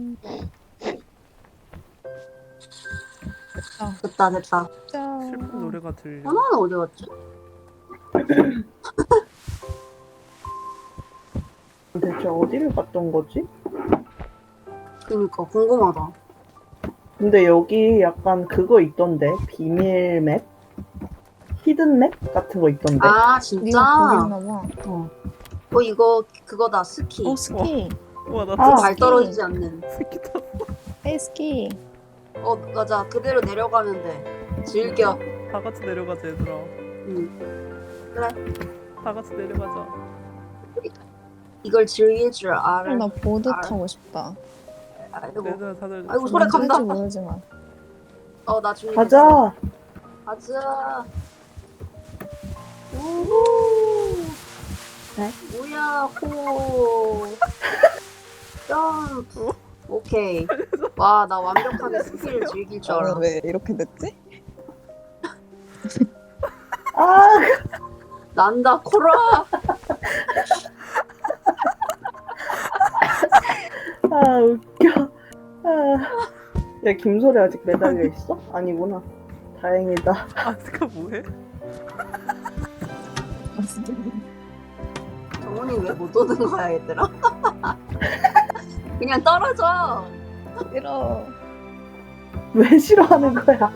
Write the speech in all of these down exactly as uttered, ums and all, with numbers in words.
아, 됐다 됐다. 짠. 슬픈 노래가 들려. 하나는 어디 갔지? 대체 어디를 갔던 거지? 그니까 궁금하다. 근데 여기 약간 그거 있던데 비밀 맵? 히든 맵 같은 거 있던데. 아 네가 진짜? 거기 있나 봐. 어. 어 이거 그거다 스키. 어, 스키. 우와 나 아. 또 발 떨어지지 않는. 스키 탔어. 에이, 스키. 어 맞아 그대로 내려가면 돼. 즐겨. 다 같이 내려가자 얘들아. 응. 그래. 다 같이 내려가자. 이걸 즐길 줄 아, 알아. 나 보드 알- 타고 싶다. 아이고. 얘들아 다들. 아이고, 소리 언제 간다. 할지 모르지만. 어 나중에. 가자. 가자. 우후. 네? 뭐야 호. 점프. 오케이. 와 나 완벽하게 스키를 즐길 줄 알아. 아, 왜 이렇게 됐지? 아, 난다 코라. 아 웃겨. 아. 야 김소리 아직 매달려 있어? 아니구나. 다행이다. 아스카 뭐해? 정훈이 왜 못 오는 거야 얘들아? 그냥 떨어져. 싫어. 왜 싫어하는 거야?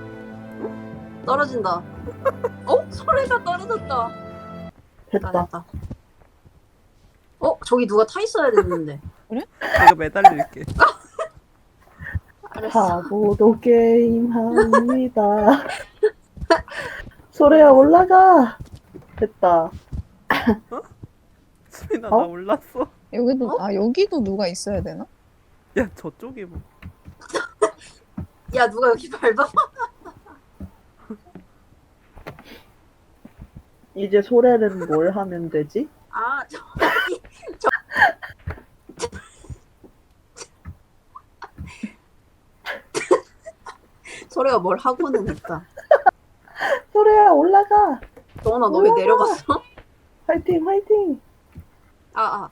떨어진다. 어? 소리가 떨어졌다. 됐다 됐다. 됐다. 어? 저기 누가 타 있어야 됐는데. 내가 매달릴게. 알았어. 바보도 게임 합니다. 소리야 올라가. 됐다. 수민아 어? 나 올랐어. 여기도, 어? 아, 여기도 누가 있어야 되나? 야 저쪽에 뭐. 야 누가 여기 밟아? 이제 소래는 뭘 하면 되지? 아 저기 저. 소리가 뭘 하고는 있다. 소래야 올라가. 정훈아 너 왜 올라가. 내려갔어? 화이팅 화이팅. 아 아.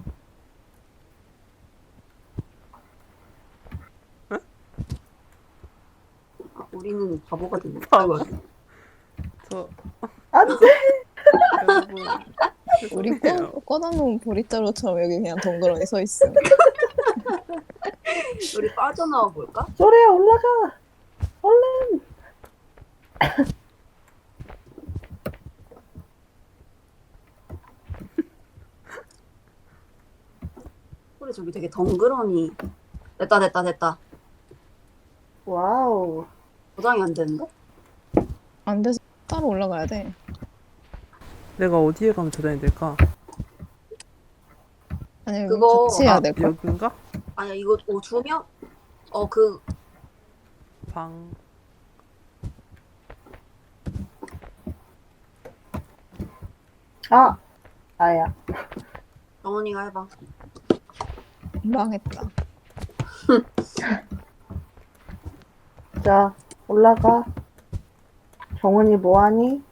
아, 우리는 바보가 됐네. 바보. 아이고. 저 안돼. 여러분. 우리 죄송해요. 꺼, 꺼다놓은 보리자루처럼 여기 그냥 덩그러니 서 있음. 우리 빠져나와 볼까? 소래야 올라가. 얼른. 소리 저기 되게 덩그러니. 됐다 됐다 됐다. 와우. 고장이 안 되는데? 안 돼서 따로 올라가야 돼. 내가 어디에 가면 저장이 될까? 아니, 여기 그거- 같이 해야 아 될걸? 여긴가? 아니야 이거 어, 두 명? 어 그 방. 아. 아야. 정원이가 해봐. 망했다. 자 올라가. 정은이 뭐하니?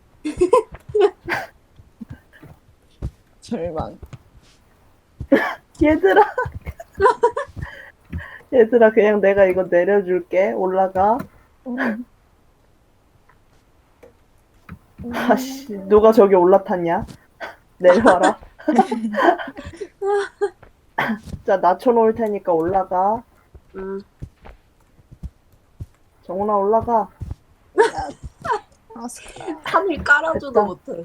절망. 얘들아. 얘들아 그냥 내가 이거 내려줄게. 올라가. 음. 아씨 누가 저기 올라탔냐? 내려와라. 자 낮춰놓을 테니까 올라가. 음 정훈아 올라가. 아, 스키. 하늘 깔아줘도 됐다. 못해.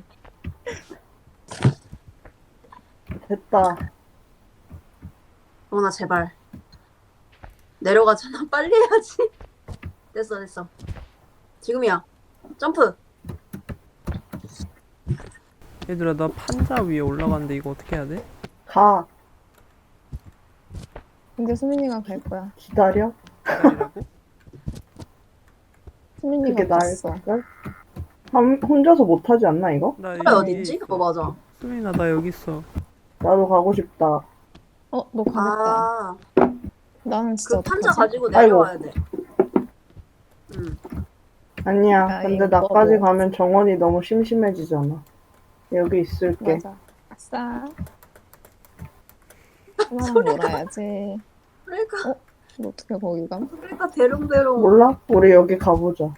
됐다. 정원아 제발 내려가잖아. 빨리 해야지. 됐어 됐어. 지금이야. 점프. 얘들아 나 판자 위에 올라갔는데 이거 어떻게 해야 돼? 가. 근데 수민이가 갈 거야. 기다려. 기다리라고? 수민이가 그게 갔어. 나을걸? 한- 혼자서 못하지 않나 이거? 나 소리 어딨지? 어 맞아. 수민아 나 여기 있어. 나도 가고 싶다. 어, 너 가겠다. 아 나는 진짜 그 판자 어떡하지? 가지고 아이고. 내려와야 돼. 응. 아니야. 아, 근데 이거 나까지 뭐. 가면 정원이 너무 심심해지잖아. 여기 있을게. 맞아. 아싸. 하나랑 놀아야지. 그러니까 어? 너 어떻게 거기 감? 그러니까 대롱대롱. 몰라? 우리 여기 가보자.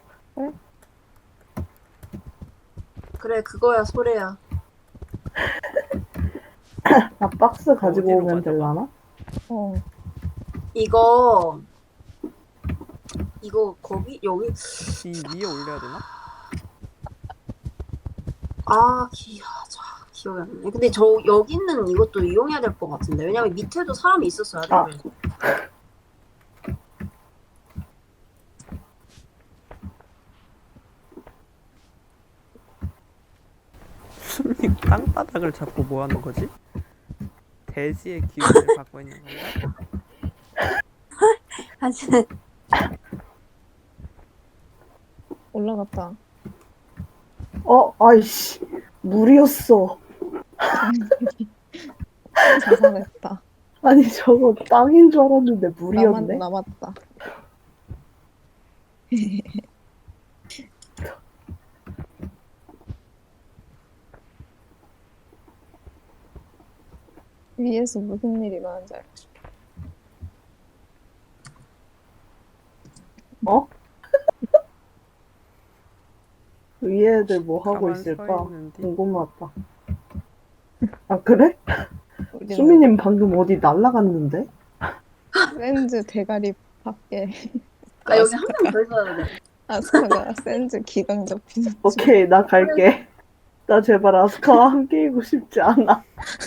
그래 그거야 소래야. 나 박스 가지고 어디로 오면 가져가? 될라나? 어. 이거 이거 거기 여기 이 위에 올려야 되나? 아 기, 아, 자, 기억이 안 나네. 근데 저 여기 있는 이것도 이용해야 될 것 같은데 왜냐면 밑에도 사람이 있었어야 돼. 아. 그래서. 수민이 땅바닥을 잡고 뭐 하는 거지? 대지의 기운을 갖고 있는 건가? 사실 올라갔다. 어, 아이씨. 물이었어. 자살했다. 아니, 저거 땅인 줄 알았는데 남았, 물이었네. 남았다. 위에서 무슨 일이 일어나는지 알고 싶어. 어? 위에 애들 뭐 하고 가만 서 있을까? 있는데. 궁금하다. 아, 그래? 우리는 수미님 방금 어디 날라갔는데? 샌즈 대가리 밖에 아 여기 한 명 더 있어야 돼. 아스카가 샌즈 기강 잡히는 중. 오케이, 나 갈게. 나 제발 아스카와 함께이고 싶지 않아.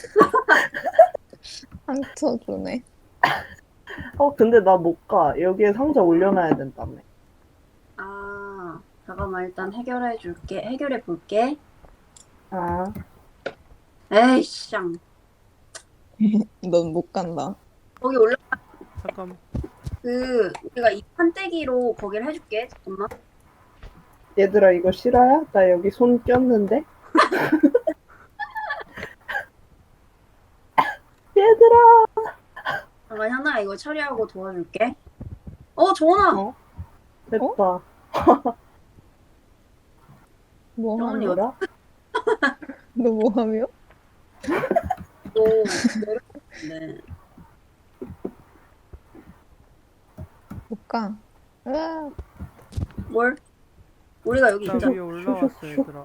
상처 주네. 어, 근데 나 못 가. 여기에 상자 올려놔야 된다며. 아 잠깐만 일단 해결해 줄게. 해결해 볼게. 아, 에이씨 넌 못 간다. 거기 올라 잠깐. 그 우리가 이 판때기로 거기를 해줄게. 잠깐만. 얘들아, 이거 실화야? 나 여기 손 꼈는데? 얘들아! 잠깐 현아 이거 처리하고 도와줄게. 어 정원아. 어? 됐다. 뭐 정원이 하며? 뭐라? 너 뭐 하며? 또 내렸네. 못 가. 으아, 뭘? 우리가 여기 나 있잖아. 위에 올라왔어 얘들아.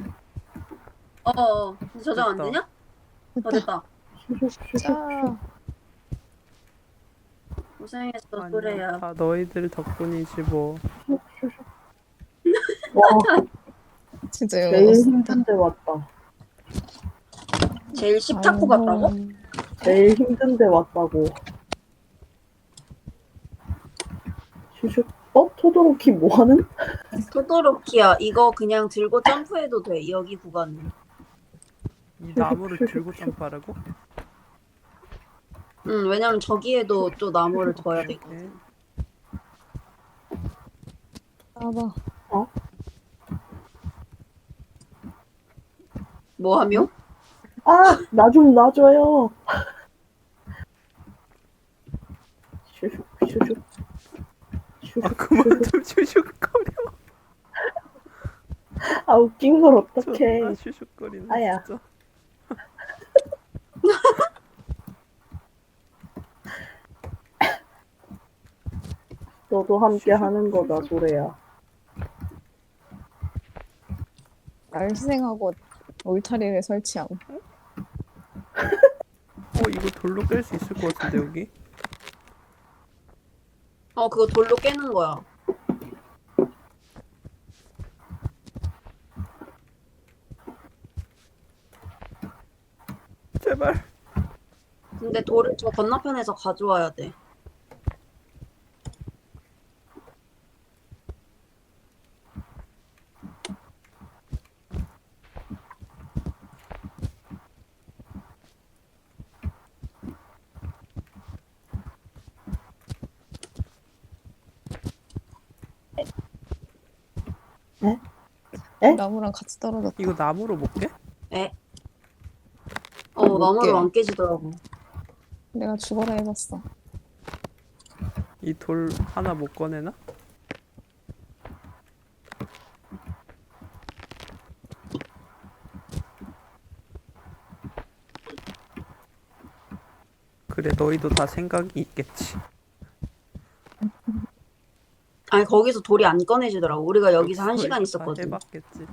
어어. 저장 안 됐다. 되냐? 어 됐다. 짜. 고생했어 아니야, 소래야. 다 너희들 덕분이지 뭐. 와, 진짜 제일 영어 썼다. 힘든 데 왔다. 제일 십타쿠 같다고? 제일 힘든 데 왔다고. 슈슉. 어? 토도로키 뭐하는? 토도로키야. 이거 그냥 들고 점프해도 돼. 여기 구간은. 이 나무를 들고 점프하라고? 응 왜냐면 저기에도 또 나무를 둬야 오케이, 되거든. 봐봐. 뭐 하며? 아! 나 좀 놔줘요. 슈슉, 슈슉. 아 슈슉, 그만 슈슉. 좀 슈슉거려. 아, 웃긴 걸 존나 어떡해. 슈슉거리네 아야. 진짜. 너도 함께 하는 거다, 소래야. 날 희생하고 울타리를 설치함. 어 이거 돌로 깰 수 있을 것 같은데 여기? 어 그거 돌로 깨는 거야. 제발. 근데 돌을 저 건너편에서 가져와야 돼. 에? 나무랑 같이 떨어졌다. 이거 나무로 못 깨? 에? 어 못 나무로 깨. 안 깨지더라고. 내가 죽어라 해봤어. 이 돌 하나 못 꺼내나? 그래 너희도 다 생각이 있겠지. 아니 거기서 돌이 안 꺼내지더라고. 우리가 여기서 한 시간 너희도 다 있었거든. 해봤겠지.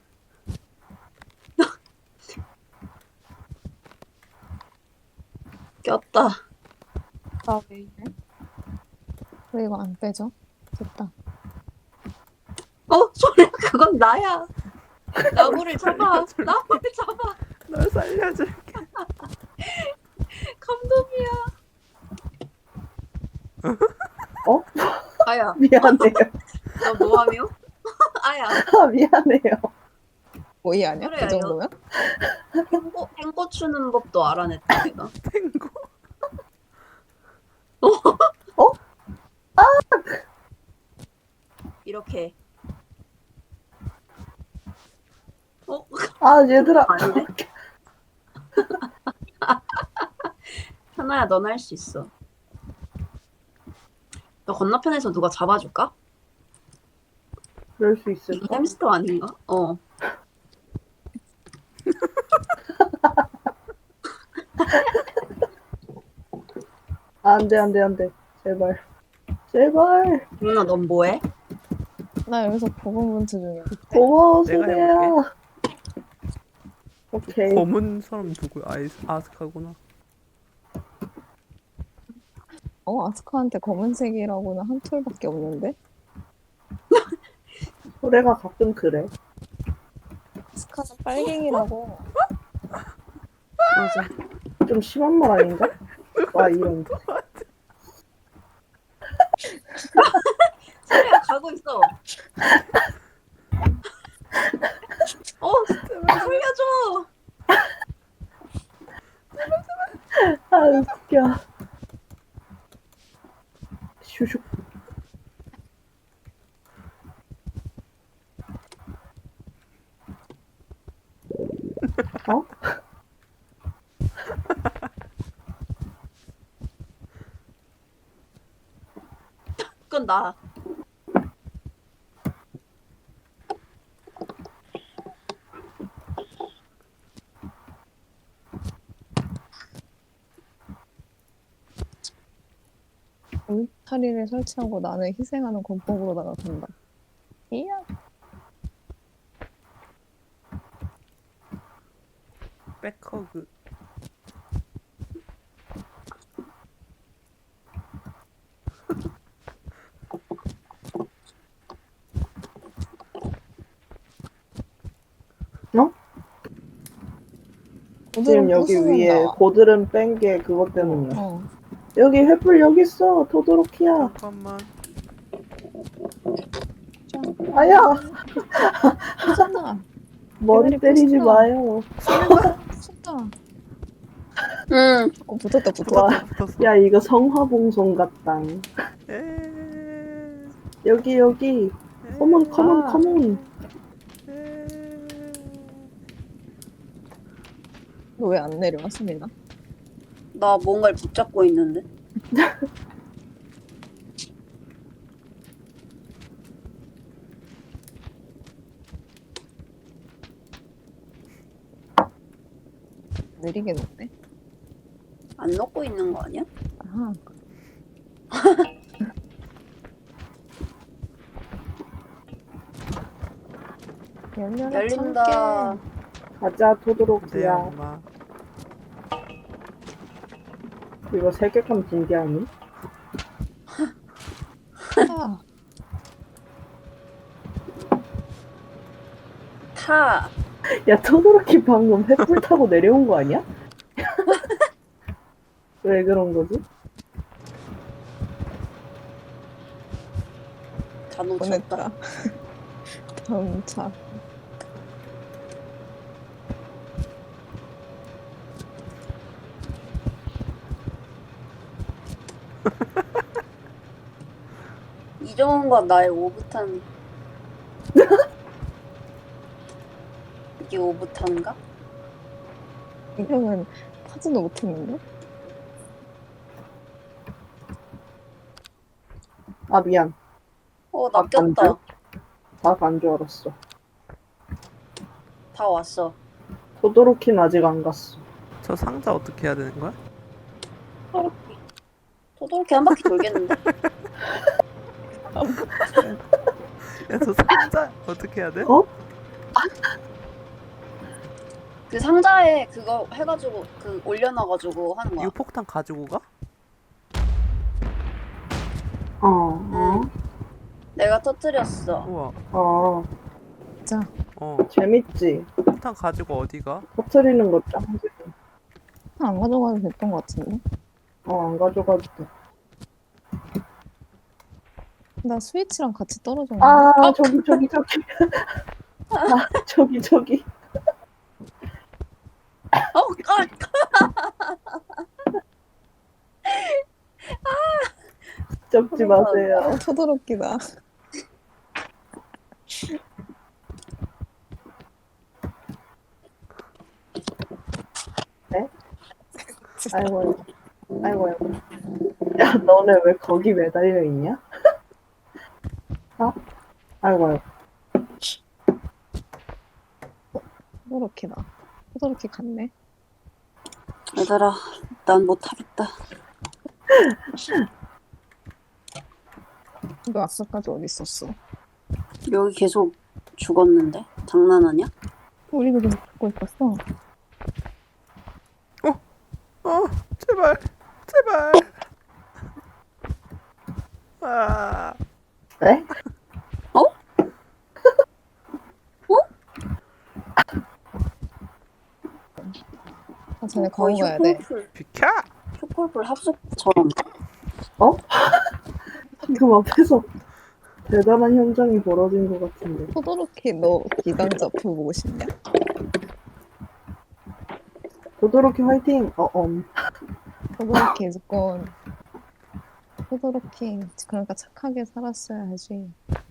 꼈다. 나왜 이래? 왜 이거 안 빼져? 됐다. 어 소리야 그건 나야. 나무를 잡아. 나무를 잡아. 널 살려줄게. 감동이야. 어? 아야 미안해요. 너 뭐하며? 아야 아, 미안해요. 오이 아니야? 그래, 그 정도면? 탱고, 탱고 추는 법도 알아냈다 내가. 탱고. 어? 이렇게. 어? 아, 얘들아. 아닌데? 현아야 넌 할 수 있어. 너 건너편에서 누가 잡아줄까? 그럴 수 있을까? 햄스터 아닌가? 어. 아, 안 돼, 안 돼, 안 돼. 제발. 제발. 누나 넌 뭐해? 나 여기서 고군분투 중이야. 고마워, 내가 소리야. 오케이. 검은 사람 누구야? 아이스 아스카구나. 어, 아스카한테 검은색이라고는 한 톨밖에 없는데? 소래가 가끔 그래. 아스카는 빨갱이라고. 맞아. 좀 심한 말 아닌가? 와, 이런 거. 소리야 가고 있어. 어 살려줘. 아, 웃겨. 슈슉. 어? 그건 나. 울타리를 설치하고 나는 희생하는 권법으로 나간다. 이야. 백허그. 어? 지금 여기 위에 고드름 뺀 게 그것 때문이야. 어. 여기 횃불 여기 있어. 토도로키야. 잠깐만. 아야. 하잖아. 머리 기다려, 때리지 붙어. 마요. 쏟다. 응. 어, 붙었다, 붙었다. 와. 붙었어. 야, 이거 성화봉송 같다. 에... 여기 여기. 컴온 컴온 아. 컴온. 에... 너 왜 안 내려와, 수민아? 나 뭔가를 붙잡고 있는데. 느리게 녹네. 안 넣고 있는 거 아니야? 아하. 열려라, 열린다. 참깨. 가자 네 토도로키야. 엄마. 이거 세계관 빈게 아니? 아, 타. 야 토도로키 방금 횃불 타고 내려온 거 아니야? 왜 그런 거지? 다 놓쳤다. 보냈다. 다음 차. 이정은과 나의 오붓한. 이게 오붓한가? 이 형은 타지도 못했는데? 아 미안. 어, 나 아, 안 꼈다. 다안 줄 알았어. 다 왔어. 토도로키는 아직 안 갔어. 저 상자 어떻게 해야 되는 거야? 아, 토도롭게 한 바퀴 돌겠는데? 야, 저 상자 어떻게 해야 돼? 어? 그 상자에 그거 해가지고 그 올려놔가지고 하는 거야. 이거 폭탄 가지고 가? 어, 어, 내가 터뜨렸어. 우와. 어, 자, 어. 재밌지? 폭탄 가지고 어디 가? 터트리는 거 짱. 안 가져가도 됐던 것 같은데. 어, 안 가져가도 돼. 나 스위치랑 같이 떨어졌는데. 아, 저기, 저기, 저기. 아, 저기, 저기. 어, 아, 접지 마세요. 어, 토도롭기다. 아이고, 아이고, 아이고. 야, 너네 왜 거기 매달려 있냐? 아? 아이고, 아이고. 토도롭기다. 토도롭기 같네. 얘들아, 난 못하겠다. 너 아까까지 어디 있었어? 여기 계속 죽었는데? 장난하냐? 우리도 계속 듣고 있었어. 어, 제발, 제발. 아, 네? 아, 쟤네 거의 거기 가야 돼. 쇼콜풀, 비켜! 쇼콜풀 합숙처럼. 방금 앞에서 대단한 현장이 벌어진 것 같은데. 토도롭기 너 기강자 표 보고 싶냐? 도도로키 화이팅! 어, 엄. 토도롭기 무조건 토도롭기 그러니까 착하게 살았어야지.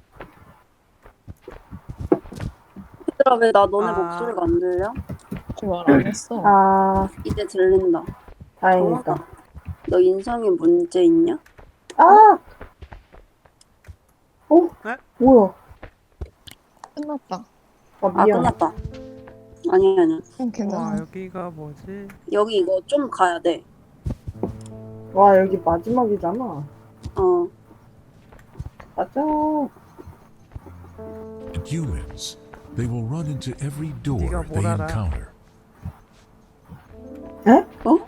얘들아, 왜 나 너네 아. 목소리가 안 들려? 말 안 했어. 아, 이제 들린다. 다행이다. 너 인성에 문제 있냐? 아! 어? 네? 뭐야? 끝났다. 아, 아, 미안. 끝났다. 아니야, 아니야. 응, 와, 괜찮아. 여기가 뭐지? 여기 이거 좀 가야 돼. 와, 여기 마지막이잖아. 어. 가자. Humans. They will run into every door 네가 뭘 they 알아? encounter. 에? 어?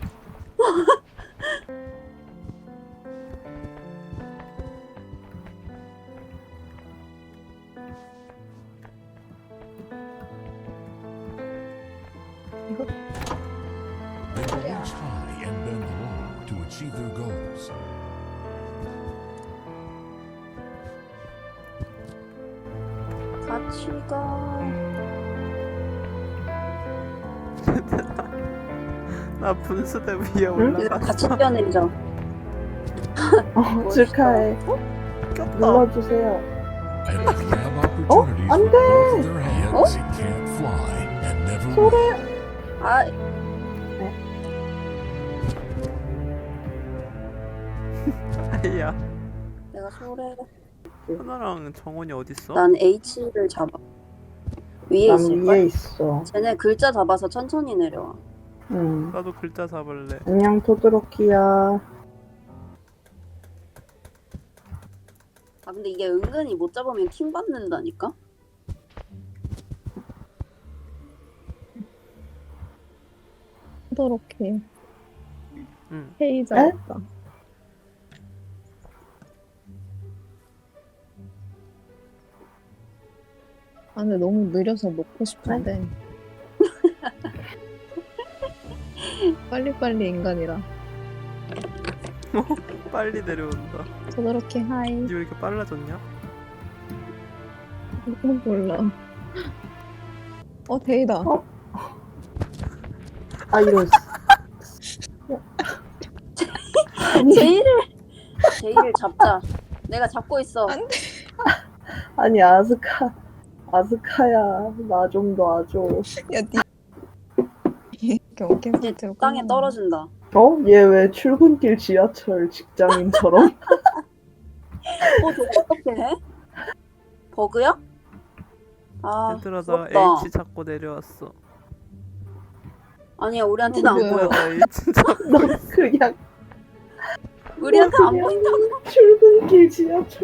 They will reach high and bend low to achieve their goals. 같이 가. 나 분수대 위에 얘들아, 올라갔어. 같이 뛰어내리자. 어, 축하해. 꼈다. 눌러주세요. And if you have opportunities 안 with 돼! both of their hands, they can't fly and never will. 아, 아이야. 내가 소래. 하나랑 정원이 어딨어? 난 H를 잡아. 위에 난 있을걸? 위에 있어. 쟤네 글자 잡아서 천천히 내려와. 응. 나도 글자 잡을래. 안녕, 토도로키야. 아, 근데 이게 은근히 못 잡으면 킹 받는다니까? 토도롭기 응. 헤이자였다. 아, 근데 너무 느려서 놓고 싶은데. 빨리빨리 인간이라. 빨리 내려온다. 토도롭기 하이. 니 왜 이렇게 빨라졌냐? 몰라. 어, 데이다. 어? 아, 이런. 아니, 제이를 제이를 잡자. 내가 잡고 있어. 안 아니, 아스카. 아스카야. 나 좀 놔줘. 야, 니. 경계 이제 상태로 땅에 끝났네. 떨어진다. 어? 얘 왜 출근길 지하철 직장인처럼? 어, 저거 어떻게 해? 버그야? 아, 얘들아, 나 부럽다. H 잡고 내려왔어. 아니야, 우리한테는 안 뭐야? 보여. 나 H 잡고 너 그냥 우리한테 안 보인다고. 출근길 지하철.